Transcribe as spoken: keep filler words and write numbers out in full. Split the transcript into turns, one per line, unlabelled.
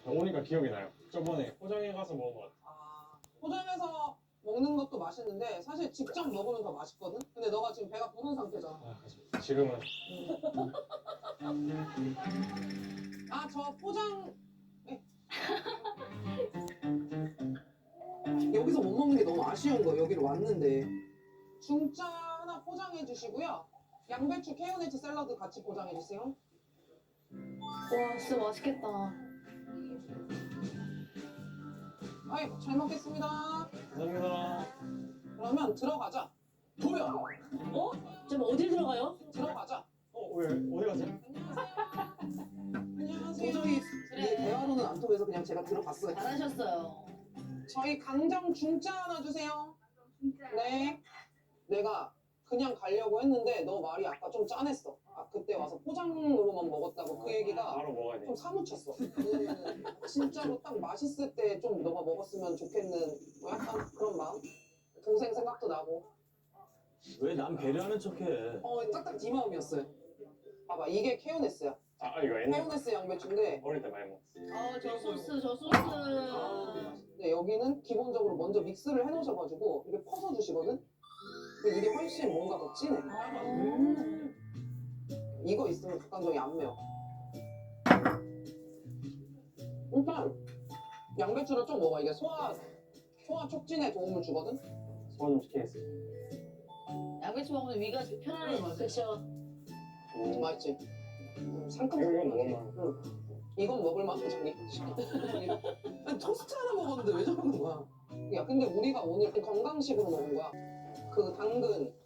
오니까 기억이 나요. 저번에 포장해 가서 먹은 것 같아요.
아, 포장해서 먹는 것도 맛있는데 사실 직접 먹으면 더 맛있거든? 근데 너가 지금 배가 부른 상태잖아.
아, 그죠. 지금은
아, 저 포장... 네. 여기서 못 먹는 게 너무 아쉬운 거예요. 여기로 왔는데. 중짜 하나 포장해 주시고요. 양배추 케요네츠 샐러드 같이 포장해 주세요.
와 진짜 맛있겠다.
아이, 잘 먹겠습니다.
감사합니다.
그러면 들어가자. 도야!
어? 지금 어딜 들어가요?
들어가자.
어, 왜 어디 가세요?
안녕하세요. 도저히 이 대화로는 안 통해서 그냥 제가 들어갔어요.
잘하셨어요.
저희 강정 중짜 하나 주세요. 네. 내가 그냥 가려고 했는데 너 말이 아까 좀 짠했어. 아, 그때 와서 포장으로만 먹었다고 그 얘기가
바로 먹어야 돼.
좀 사무쳤어. 음, 진짜로 딱 맛있을 때 좀 너가 먹었으면 좋겠는 뭐 약간 그런 마음? 동생 생각도 나고.
왜 남 배려하는 척해?
어, 딱딱 네 마음이었어요. 봐봐, 이게 케요네스야.
아, 이거 옛날
케요네스 양배추인데
어릴 때 많이 먹었어.
아저 소스 저 소스.
근데 여기는 기본적으로 먼저 믹스를 해놓으셔가지고 이게 퍼서 주시거든? 근데 이게 훨씬 뭔가 더 진해.
음.
이거 있으면 닭강정이 안 매워. 일단 양배추를 좀 먹어. 이게 소화 소화 촉진에 도움을 주거든.
소화 좀 시키겠어요.
양배추 먹으면 위가 편안해. 그렇죠.
음, 맛있지. 음, 상큼.
이거 먹을만.
응. 이건 먹을만 하잖니. 아니, 토스트 하나 먹었는데 왜 저러는 거야? 야, 근데 우리가 오늘 건강식으로 먹은 거야. 그 당근,